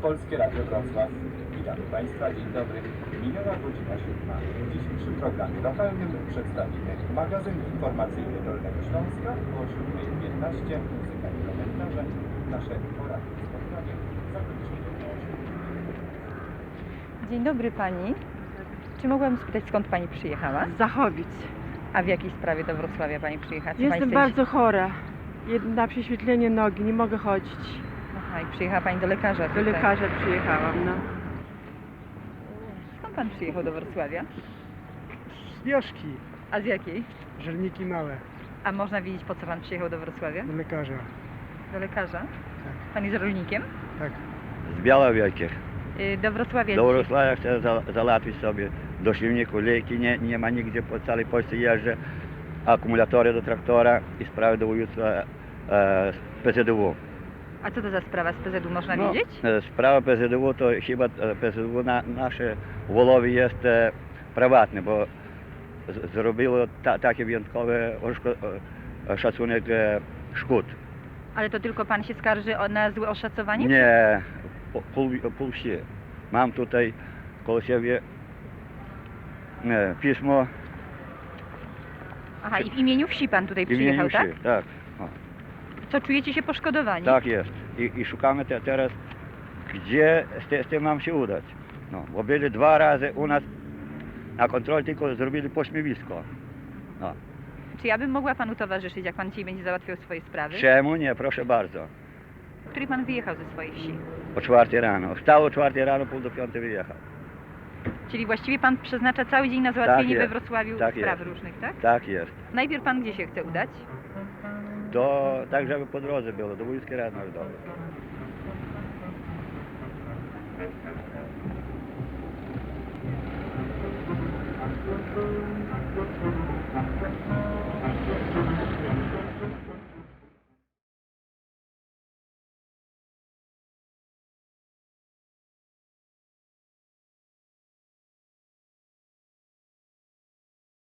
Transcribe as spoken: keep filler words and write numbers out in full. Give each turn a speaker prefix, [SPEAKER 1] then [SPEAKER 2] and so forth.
[SPEAKER 1] Polskie Radio Wrocław. Witamy Państwa, dzień dobry. Minęła godzina siódma. W dzisiejszym programie lokalnym przedstawimy magazyn informacyjny Dolnego Śląska o siódma piętnaście, muzyka i komentarze. Nasze poranne spotkanie zakończymy o osiemnastej.
[SPEAKER 2] Dzień dobry Pani. Czy mogłabym spytać, skąd Pani przyjechała?
[SPEAKER 3] Z Zachowic.
[SPEAKER 2] A w jakiej sprawie do Wrocławia Pani przyjechała? Co
[SPEAKER 3] Jestem
[SPEAKER 2] pani
[SPEAKER 3] bardzo chora. Jed- Na prześwietlenie nogi, nie mogę chodzić.
[SPEAKER 2] Aha, i przyjechała Pani do lekarza
[SPEAKER 3] Do
[SPEAKER 2] tutaj.
[SPEAKER 3] lekarza przyjechałam, no.
[SPEAKER 2] Skąd Pan przyjechał do Wrocławia?
[SPEAKER 4] Z wioski,
[SPEAKER 2] A z jakiej?
[SPEAKER 4] żelniki małe,
[SPEAKER 2] A można wiedzieć, po co Pan przyjechał do Wrocławia?
[SPEAKER 4] do lekarza.
[SPEAKER 2] Do lekarza? Pan jest rolnikiem?
[SPEAKER 4] Tak.
[SPEAKER 5] Z Białowielkich.
[SPEAKER 2] Y, Do Wrocławia
[SPEAKER 5] Do
[SPEAKER 2] dzisiaj.
[SPEAKER 5] Wrocławia chcę za, załatwić sobie do silniku, leki nie, nie ma nigdzie, po całej Polsce jeżdżę, akumulatory do traktora i sprawy do województwa e, z P Z D W.
[SPEAKER 2] A co to za sprawa z P Z U, można
[SPEAKER 5] No,
[SPEAKER 2] wiedzieć?
[SPEAKER 5] e, sprawa P Z D W to chyba e, P Z D W na, nasze w Wolowie jest e, prywatne, bo z, zrobiło ta, takie wyjątkowe oszko- e, szacunek e, szkód.
[SPEAKER 2] Ale to tylko Pan się skarży o, na złe oszacowanie?
[SPEAKER 5] Nie, pół, pół, pół wsi. Mam tutaj koło siebie e, pismo
[SPEAKER 2] Aha, i w imieniu wsi Pan tutaj
[SPEAKER 5] w imieniu
[SPEAKER 2] przyjechał, tak?
[SPEAKER 5] wsi. Tak, o,
[SPEAKER 2] Co, czujecie się poszkodowani?
[SPEAKER 5] tak jest. I, i szukamy te, teraz, gdzie z, te, z tym nam się udać. No, bo byli dwa razy u nas na kontroli, tylko zrobili pośmiewisko. No.
[SPEAKER 2] Czy ja bym mogła Panu towarzyszyć, jak Pan dzisiaj będzie załatwiał swoje sprawy?
[SPEAKER 5] Czemu nie? Proszę bardzo.
[SPEAKER 2] W której Pan wyjechał ze swojej wsi?
[SPEAKER 5] O czwartej rano. Wstał o czwartej rano, pół do piątej wyjechał.
[SPEAKER 2] Czyli właściwie Pan przeznacza cały dzień na załatwienie
[SPEAKER 5] jest.
[SPEAKER 2] we Wrocławiu
[SPEAKER 5] Tak
[SPEAKER 2] spraw
[SPEAKER 5] jest.
[SPEAKER 2] różnych, tak?
[SPEAKER 5] Tak jest.
[SPEAKER 2] Najpierw Pan gdzie się chce udać?
[SPEAKER 5] Do, tak żeby po drodze było, do Wojewódzkiej Rady Narodowej.